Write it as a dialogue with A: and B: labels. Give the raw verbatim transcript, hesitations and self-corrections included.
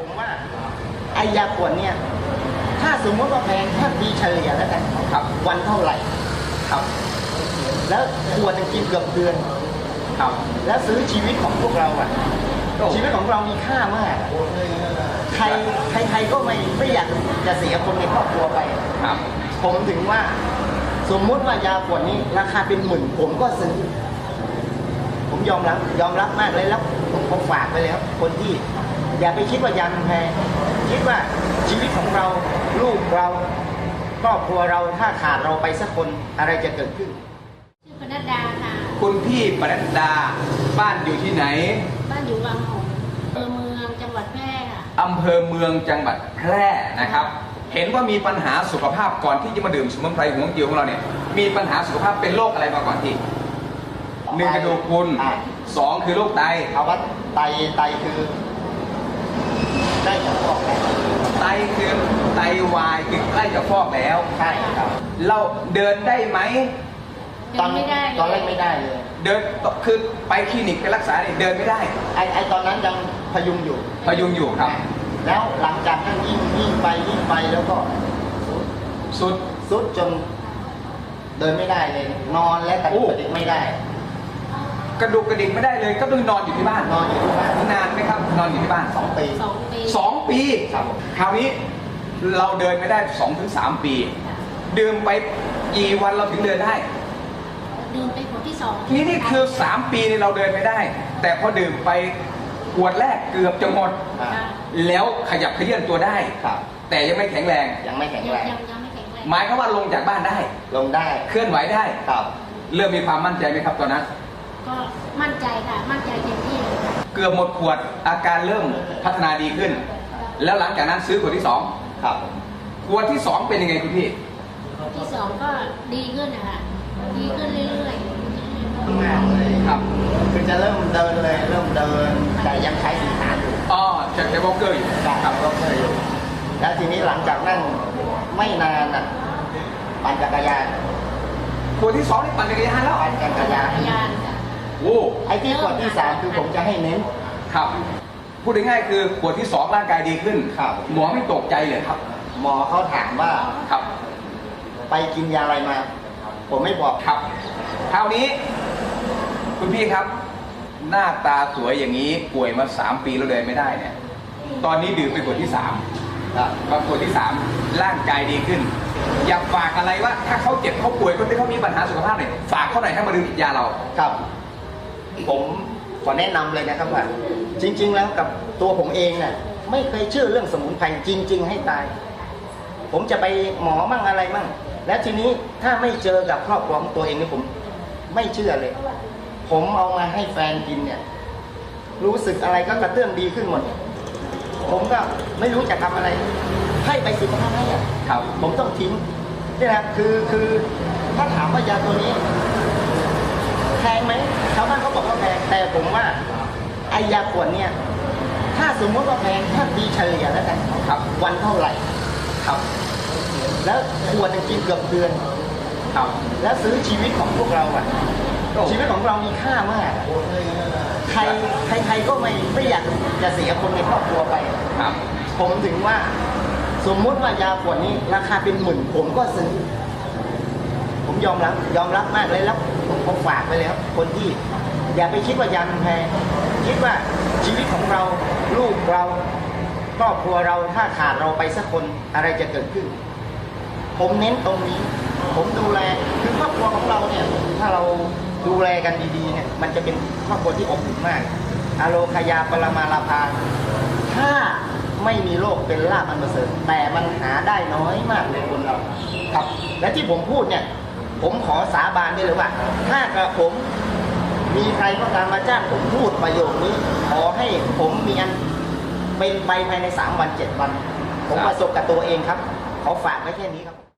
A: ผมว่าไอยาขวดเนี่ยถ้าสมมติว่าแพงถ้าปีเฉลี่ยแล้วกันครับวันเท่าไหร่ครับแล้วขวดจะกินเกือบเดือนครับแล้วซื้อชีวิตของพวกเราอ่ะชีวิตของเรามีค่ามากใครใครใครก็ไม่ไม่อยากจะเสียคนในครอบครัวไปครับผมถึงว่าสมมุติว่ายาขวดนี้ราคาเป็นหมื่นผมก็ซื้อผมยอมรับยอมรับมากเลยแล้วผมผมฝากไปเลยครับคนที่อย่าไปคิดว่ายามันแพงคิดว่าชีวิตของเราลูกเราครอบครัวเราถ้าขาดเราไปสักคนอะไรจะเกิดขึ้น
B: ชื่อปนัดดาค่ะ
C: คุณพี่ปนัดดาบ้านอยู่ที่ไหน
B: บ้านอยู่วังหงส์อำเภอเมืองจังหวัดแพร่ค่ะ
C: อำเภอเมืองจังหวัดแพร่นะครับเห็นว่ามีปัญหาสุขภาพก่อนที่จะมาดื่มสมุนไพรหัวเกียวของเราเนี่ยมีปัญหาสุขภาพเป็นโรคอะไรมาก่อนที่หนึ่งกระดูกพรุนสองคือโรคไต
A: ภาวะไตไตคือได้จะฟอกแล้ว
C: ไตคือไตวายคือใกล้จะฟอกแล้ว
A: ใช่ครับ
C: เราเดินได้ไหม
B: ตอนไม่ได้
A: ตอนแรกไม่ได้เลย
C: เดินคือไปคลินิกไปรักษาเนี่ยเดินไม่ได้
A: ไอไอตอนนั้นยังพยุงอยู่
C: พยุงอยู่ครับ
A: แล้วหลังจากนั้นยิ่งยิ่งไปยิ่งไปแล้วก็
C: สุด
A: สุดจนเดินไม่ได้เลยนอนและกระดูกกระดิกไม่ได้
C: กระดูกกระดิกไม่ได้เลยก็ต้องนอนอยู่ที่บ้าน
A: นอนอยู่ที่บ้าน
C: นานไหมครับนอนอยู่ที่บ้าน
A: สองปี
B: สองปี
C: สองปี
A: ครับ
C: คราวนี้เราเดินไม่ได้สองถึงสามปีดื่มไปกี่วันเราถึงเดินได้
B: ดื่มไปขวดที่สอง
C: นี่นี่คือสามปีนี่เราเดินไม่ได้แต่พอดื่มไปขวดแรกเกือบจะหมดแล้วขยับเขยื่อนตัวได้แต่ยังไม่แข็งแรง
A: ยังไม่แข็งแรง
C: หมายความว่าลงจากบ้านได้
A: ลงได้
C: เคลื่อนไหวได้
A: ครับ
C: เริ่มมีความมั่นใจไหมครับตอนนั้น
B: ก็มั่นใจค่ะมั่นใจเต็มที่เลยค่ะ
C: เกือบหมดขวดอาการเริ่มพัฒนาดีขึ้นแล้วหลังจากนั้นซื้อขวดที่สอง
A: ครับ
C: ขวดที่สองเป็นยังไงคุณพี่
B: ที่สองก็ดีขึ้นนะคะดีขึ้นเรื่อย
A: ๆมากเลย
C: ครับ
A: คือจะเริ่มเดินเลยเริ่มเดินแต่ยังใช้สีขาอยู่
C: อ๋อจะใช้วอล์กเกอร์อยู่
A: ครับวอล์กเกอร์อยู่แล้วทีนี้หลังจากนั้นไม่นานอ่ะปั่นจักรยาน
C: ขวดที่สองนี่ปั่นจักรยานแล้ว
A: ปั่นจักรยาน
C: โอ้
A: ไอ้ที่ขวดที่สามคือผมจะให้เน้น
C: ครับพูดง่ายๆคือขวดที่สองร่างกายดีขึ้น
A: ครับ
C: หมอไม่ตกใจเลยครับ
A: หมอเขาถามว่า
C: ครับ
A: ไปกินยาอะไรมาผมไม่บอก
C: ครับคราวนี้คุณพี่ครับหน้าตาสวยอย่างนี้ป่วยมาสามปีแล้วเดินไม่ได้เนี่ยตอนนี้ดื่มไปขวดที่สามก็ขวดที่สามร่างกายดีขึ้นอยากฝากอะไรว่าถ้าเขาเจ็บเขาป่วยคนที่เขามีปัญหาสุขภาพเนี่ยฝากเขาหน่อยให้มาดื่มยาเรา
A: ครับผมขอแนะนำเลยนะครับว่าจริงๆแล้วกับตัวผมเองเนี่ยไม่เคยเชื่อเรื่องสมุนไพรจริงๆให้ตายผมจะไปหมอมั่งอะไรมั่งแล้วทีนี้ถ้าไม่เจอกับครอบครัวของตัวเองนี่ผมไม่เชื่อเลยผมเอามาให้แฟนกินเนี่ยรู้สึกอะไรก็กระเตื้องดีขึ้นหมดผมก็ไม่รู้จะทำอะไรให้ไปสิบห้าให้อะครับผมต้องทิ้งนี่แหละคือคือถ้าถามว่ายาตัวนี้แพงไหมชาวบ้านเขาบอกว่าแพงแต่ผมว่าไอยาขวดเนี่ยถ้าสมมติว่าแพงถ้าปีเฉลี่ยแล้วกันครับวันเท่าไหร่ครับแล้วขวดจะกินเกือบเดือนครับแล้วซื้อชีวิตของพวกเราอ่ะชีวิตของเรามีค่ามากใครใครใครก็ไม่ไม่อยากจะเสียคนในครอบครัวไปครับผมถึงว่าสมมุติว่ายาขวดนี้ราคาเป็นหมื่นผมก็ซื้อผมยอมรับยอมรับมากเลยแล้วผมผมฝากไปเลยครับคนที่อย่าไปคิดว่ายามันแพงคิดว่าชีวิตของเราลูกเราครอบครัวเราถ้าขาดเราไปสักคนอะไรจะเกิดขึ้นผมเน้นตรงนี้ผมดูแลคือครอบครัวของเราเนี่ยถ้าเราดูแลกันดีๆเนี่ยมันจะเป็นครอบครัวที่อบอุ่นมากอโลคยาปรมาลาภาถ้าไม่มีโรคเป็นลาภอันประเสริฐแต่มันหาได้น้อยมากในคนเราครับและที่ผมพูดเนี่ยผมขอสาบานได้เลยว่าถ้ากระผมมีใครก็ตามมาจ้างผมพูดประโยคนี้ขอให้ผมมีอันเป็นไปภายในสามวันเจ็ดวันผมประสบกับตัวเองครับขอฝากไว้แค่นี้ครับ